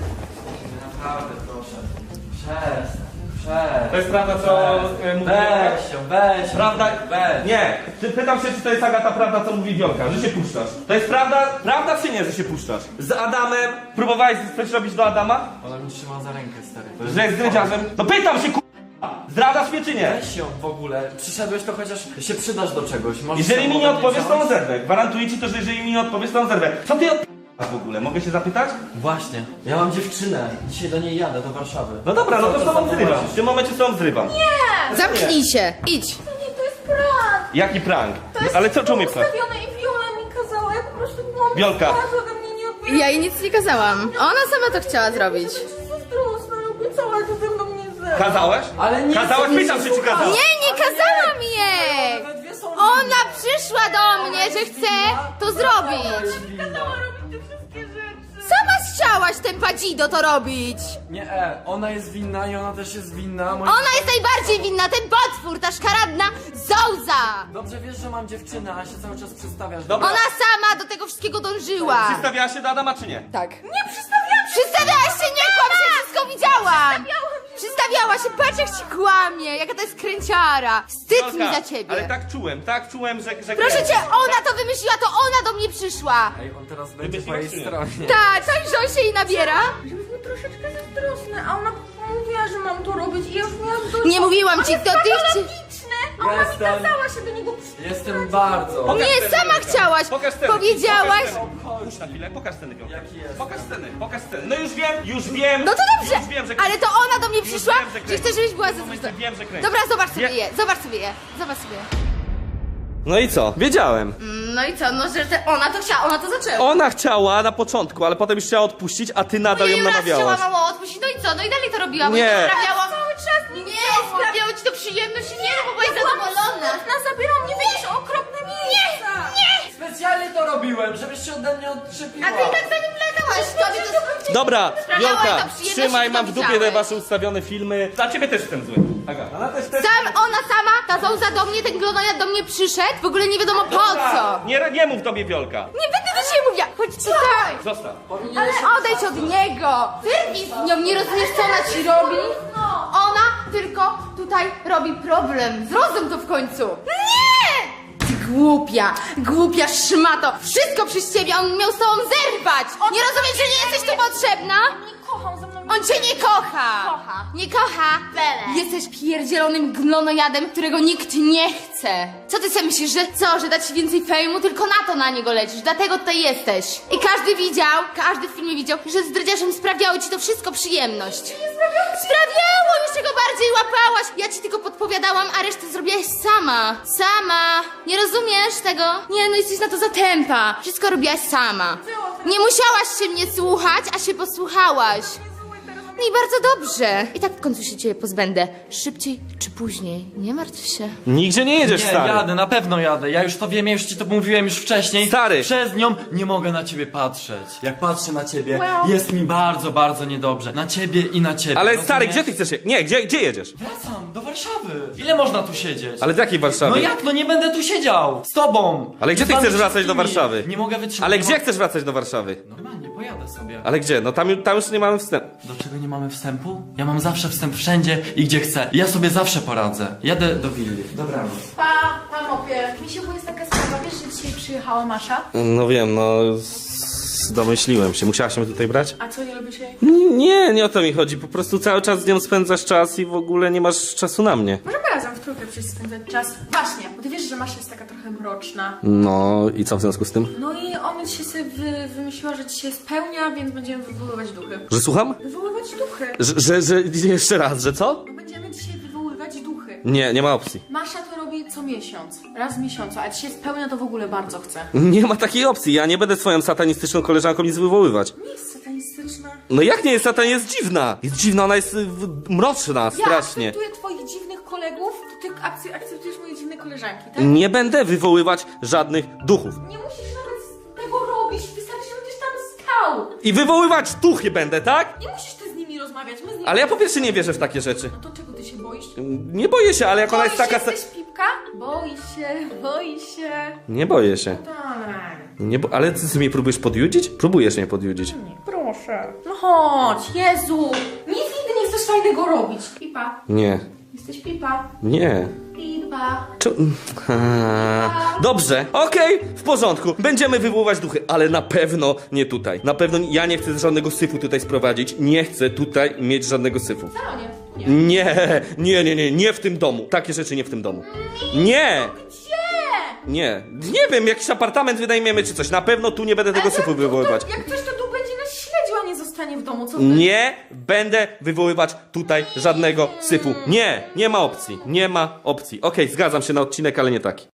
Speaker 4: Naprawdę, proszę. Przestań, przestań.
Speaker 6: To jest prawda, co e, mówi Wiolka?
Speaker 4: Weź się, weź się.
Speaker 6: Prawda?
Speaker 4: Weź.
Speaker 6: Nie. Ty pytam się, czy to jest Agata prawda, co mówi Wiolka, że się puszczasz. To jest prawda, prawda czy nie, że się puszczasz? Z Adamem, próbowałeś coś robić do Adama?
Speaker 4: Ona mi trzyma za rękę, stary. To
Speaker 6: Że jest dredziarzem? No pytam się, k***a! Zdradzasz mnie czy nie?
Speaker 4: Weź ją w ogóle. Przyszedłeś, to chociaż się przydasz do czegoś. Możesz
Speaker 6: Jeżeli
Speaker 4: sam
Speaker 6: mi nie
Speaker 4: ode mnie
Speaker 6: odpowiesz, to
Speaker 4: działać?
Speaker 6: on zerwę. Gwarantuję ci to, że jeżeli mi nie odpowiesz, to on zerwę. Co ty od... w ogóle? Mogę się zapytać?
Speaker 4: Właśnie. Ja mam dziewczynę. Dzisiaj do niej jadę, do Warszawy.
Speaker 6: No dobra, no to z
Speaker 4: Co
Speaker 6: tobą
Speaker 4: za
Speaker 6: zrywam.
Speaker 4: poważnie?
Speaker 6: W tym momencie z tobą zrywam.
Speaker 1: Zamknij się, idź.
Speaker 2: To nie, to jest prank.
Speaker 6: Jaki prank?
Speaker 2: To jest
Speaker 6: Ale co czemu mnie prank?
Speaker 2: ustawione i Viola mi kazała, ja po prostu byłam
Speaker 6: Wiolka.
Speaker 2: bardzo ode mnie nie odbierała.
Speaker 1: Ja jej nic nie kazałam. Ona sama to chciała zrobić.
Speaker 2: To jest zazdrosna, obiecała, że ze mną nie zerwa.
Speaker 6: Kazałeś?
Speaker 4: Ale nie
Speaker 6: Kazałeś?
Speaker 4: nie
Speaker 6: Pytam się, czy
Speaker 4: słucham.
Speaker 6: kazałeś?
Speaker 1: Nie, nie kazałam jej!
Speaker 4: We dwie są
Speaker 1: Ona przyszła do mnie, że chce to zrobić.
Speaker 2: Kazała robić te wszystkie rzeczy.
Speaker 1: Sama chciałaś ten padzido to robić.
Speaker 4: Nie, e, ona jest winna i ona też jest winna. Moja...
Speaker 1: Ona jest najbardziej winna, ten potwór, ta szkaradna zołza.
Speaker 4: Dobrze wiesz, że mam dziewczynę, a się cały czas przedstawiasz.
Speaker 6: Dobra.
Speaker 1: Ona sama do tego wszystkiego dążyła.
Speaker 6: Przystawiałaś się do Adama, czy nie?
Speaker 1: Tak. Nie przystawiałam się. Przystawiałaś się, nie kłam się, wszystko widziałam. Przystawiała się, patrz jak ci kłamie, jaka to jest kręciara. Wstyd mi
Speaker 6: Wiolka,
Speaker 1: za ciebie.
Speaker 6: Ale tak czułem, tak czułem, że... że
Speaker 1: Proszę cię, ona to wymyśliła, to ona do mnie przyszła.
Speaker 4: Ej, on teraz będzie
Speaker 6: Lubię
Speaker 4: po jej
Speaker 6: się
Speaker 4: stronie.
Speaker 1: Tak, tak, że on się jej nabiera.
Speaker 2: Byliśmy troszeczkę zazdrosne, a ona mówiła, że mam to robić i ja już miałam dość.
Speaker 1: Nie mówiłam ci,
Speaker 2: On
Speaker 1: to
Speaker 2: jest
Speaker 1: ty chci...
Speaker 2: patologiczny, a ona mi
Speaker 4: Jestem-
Speaker 2: kazała się do niego przyjść.
Speaker 4: Jestem bardzo.
Speaker 6: Pokaż
Speaker 1: Nie,
Speaker 6: sceny,
Speaker 1: sama
Speaker 6: Wiolka.
Speaker 1: chciałaś.
Speaker 6: Pokaż sceny.
Speaker 1: Powiedziałaś.
Speaker 6: Pokaż sceny. Puść na chwilę, pokaż sceny, Wiolka.
Speaker 4: Jaki jest?
Speaker 6: Pokaż sceny, pokaż sceny. No już wiem, już wiem.
Speaker 1: No to dobrze,
Speaker 6: Już wiem, że
Speaker 1: ale to ona do mnie
Speaker 6: Już
Speaker 1: przyszła,
Speaker 6: wiem, że
Speaker 1: że
Speaker 6: kręci.
Speaker 1: chce, żebyś była
Speaker 6: W tym momencie
Speaker 1: zazdrosna.
Speaker 6: wiem, że kręci.
Speaker 1: Dobra, zobacz sobie
Speaker 6: Wie-
Speaker 1: je, zobacz sobie je, zobacz sobie je.
Speaker 6: No i co? Wiedziałem.
Speaker 1: No i co, no że te, ona to chciała, ona to zaczęła.
Speaker 6: Ona chciała na początku, ale potem już chciała odpuścić, a ty nadal ją
Speaker 1: Jej raz
Speaker 6: namawiałaś.
Speaker 1: chciała mało odpuścić, no i co, no i dalej to robiła, bo
Speaker 6: Nie.
Speaker 1: jej to sprawiało...
Speaker 2: Cały czas nie,
Speaker 1: Nie, sprawiało ci to przyjemność, nie, no bo byłaś zadowolona.
Speaker 2: Ona zabierała mnie w jakieś okropne miejsca. Nie, nie.
Speaker 4: Specjalnie to robiłem, żebyś się ode mnie odczepiła.
Speaker 1: A ty i tak za nim latałaś, tobie to...
Speaker 6: Dobra,
Speaker 1: Sprawiała jej
Speaker 6: Wiolka,
Speaker 1: to przyjemność,
Speaker 6: trzymaj,
Speaker 1: że
Speaker 6: mam w dupie te
Speaker 1: widziałeś.
Speaker 6: wasze ustawione filmy. Dla ciebie też jestem zły. Aga, ona też też...
Speaker 1: Sam, ona sama, ta zołza do mnie, ten glonojad do mnie przyszedł, w ogóle nie wiadomo po co.
Speaker 6: Nie, nie mów do mnie, Wiolka.
Speaker 1: Nie będę do ciebie mówiła, chodź tutaj.
Speaker 6: Zostaw.
Speaker 1: Ale odejdź od niego! Wyrwij z nią, nie rozumiesz co ona ci robi? Ona tylko tutaj robi problem. Zrozum to w końcu. Nie! Ty głupia, głupia szmato. Wszystko przez ciebie, on miał z tobą zerwać. Nie rozumiesz, że nie jesteś tu potrzebna?
Speaker 2: Nie kocham ze mną.
Speaker 1: On cię nie kocha.
Speaker 2: Kocha.
Speaker 1: Nie kocha.
Speaker 2: Bele.
Speaker 1: Jesteś pierdzielonym glonojadem, którego nikt nie chce. Co ty sobie myślisz, że co, że dać ci więcej fejmu? Tylko na to na niego lecisz, dlatego tutaj jesteś. I każdy widział, każdy w filmie widział, że z dredziarzem sprawiało ci to wszystko przyjemność. Nie sprawiało. Sprawiało, jeszcze go bardziej łapałaś. Ja ci tylko podpowiadałam, a resztę zrobiłaś sama. Sama. Nie rozumiesz tego? Nie, no jesteś na to za tempa. Wszystko robiłaś sama. Nie musiałaś się mnie słuchać, a się posłuchałaś.
Speaker 2: Zły, teraz
Speaker 1: No i bardzo dobrze. I tak w końcu się ciebie pozbędę. Szybciej czy później. Nie martw się.
Speaker 6: Nigdzie nie jedziesz,
Speaker 4: Nie,
Speaker 6: stary.
Speaker 4: jadę, na pewno jadę. Ja już to wiem, ja już ci to mówiłem już wcześniej.
Speaker 6: Stary.
Speaker 4: Przez nią nie mogę na ciebie patrzeć. Jak patrzę na ciebie, jest mi bardzo, bardzo niedobrze. Na ciebie i na ciebie.
Speaker 6: Ale
Speaker 4: rozumiesz?
Speaker 6: stary, gdzie ty chcesz je... Nie, gdzie, gdzie jedziesz?
Speaker 4: Wracam do Warszawy. Ile można tu siedzieć?
Speaker 6: Ale z jakiej Warszawy?
Speaker 4: No jak, no nie będę tu siedział. Z tobą.
Speaker 6: Ale gdzie
Speaker 4: Z
Speaker 6: ty
Speaker 4: wami
Speaker 6: chcesz wracać do
Speaker 4: wszystkimi.
Speaker 6: Warszawy?
Speaker 4: Nie mogę wytrzymać.
Speaker 6: Ale
Speaker 4: nie
Speaker 6: gdzie
Speaker 4: mo-
Speaker 6: chcesz wracać do Warszawy?
Speaker 4: Normalnie, pojadę sobie.
Speaker 6: Ale gdzie? No tam, tam już nie mamy wstępu.
Speaker 4: Do czego nie mamy wstępu? Ja mam zawsze wstęp wszędzie i gdzie chcę. Ja sobie zawsze poradzę. Jadę do willi. Dobranoc.
Speaker 2: Pa, pa mopie. Misiu, bo jest taka sprawa, wiesz, że dzisiaj przyjechała Masza?
Speaker 6: No wiem, no... s- Domyśliłem się. Musiałaś mnie tutaj brać?
Speaker 2: A co, nie lubisz jej?
Speaker 6: Nie, nie o to mi chodzi. Po prostu cały czas z nią spędzasz czas i w ogóle nie masz czasu na mnie.
Speaker 2: Możemy razem w trójkę przyjść spędzać czas. Właśnie, bo ty wiesz, że Masza jest taka trochę mroczna.
Speaker 6: No i co w związku z tym?
Speaker 2: No i ona dzisiaj sobie wy, wymyśliła, że dzisiaj spełnia, więc będziemy wywoływać duchy.
Speaker 6: Że słucham?
Speaker 2: Wywoływać duchy.
Speaker 6: Że, że, że jeszcze raz, że co?
Speaker 2: No będziemy dzisiaj wywoływać duchy.
Speaker 6: Nie, nie ma opcji.
Speaker 2: Masza to robi co miesiąc. Raz w miesiącu, a dzisiaj spełnia to w ogóle bardzo chce.
Speaker 6: Nie ma takiej opcji. Ja nie będę swoją satanistyczną koleżanką nic wywoływać.
Speaker 2: Nie jest satanistyczna.
Speaker 6: No jak nie jest satan, jest dziwna. Jest dziwna, ona jest y, w- mroczna,
Speaker 2: Ja
Speaker 6: strasznie.
Speaker 2: akceptuję twoich dziwnych kolegów, to ty akce- akceptujesz moje dziwne koleżanki, tak?
Speaker 6: Nie będę wywoływać żadnych duchów.
Speaker 2: Nie musisz nawet tego robić, wystarczy, że będziesz tam stał.
Speaker 6: I wywoływać duchy będę, tak?
Speaker 2: Nie musisz ty z nimi rozmawiać, my z nimi...
Speaker 6: Ale ja po pierwsze nie wierzę w takie rzeczy.
Speaker 2: No to czego ty się boisz?
Speaker 6: Nie boję się, ale jak ona jest
Speaker 2: Boisz
Speaker 6: taka...
Speaker 2: się,
Speaker 6: sa-
Speaker 2: jesteś pipka? Boi się, boi się.
Speaker 6: Nie boję się.
Speaker 2: Dalej.
Speaker 6: Nie bo... Ale ty, ty mnie próbujesz podjudzić? Próbujesz mnie podjudzić.
Speaker 2: Proszę. No chodź, Jezu. Nic nigdy nie chcesz fajnego robić. Pipa.
Speaker 6: Nie.
Speaker 2: Jesteś pipa.
Speaker 6: Nie.
Speaker 2: Pipa.
Speaker 6: Czu... Ha. Dobrze, okej, w porządku. Będziemy wywoływać duchy, ale na pewno nie tutaj. Na pewno ja nie chcę żadnego syfu tutaj sprowadzić. Nie chcę tutaj mieć żadnego syfu.
Speaker 2: No nie, nie.
Speaker 6: Nie, nie, nie, nie, nie w tym domu. Takie rzeczy nie w tym domu. Nie!
Speaker 2: Gdzie?
Speaker 6: Nie, nie wiem, jakiś apartament wynajmiemy czy coś. Na pewno tu nie będę tego syfu wywoływać.
Speaker 2: Jak ktoś to tu będzie nas śledził, a nie zostanie w domu, co ty?
Speaker 6: Nie będę wywoływać tutaj żadnego syfu. Nie, nie ma opcji. Nie ma opcji. Okej, zgadzam się na odcinek, ale nie taki.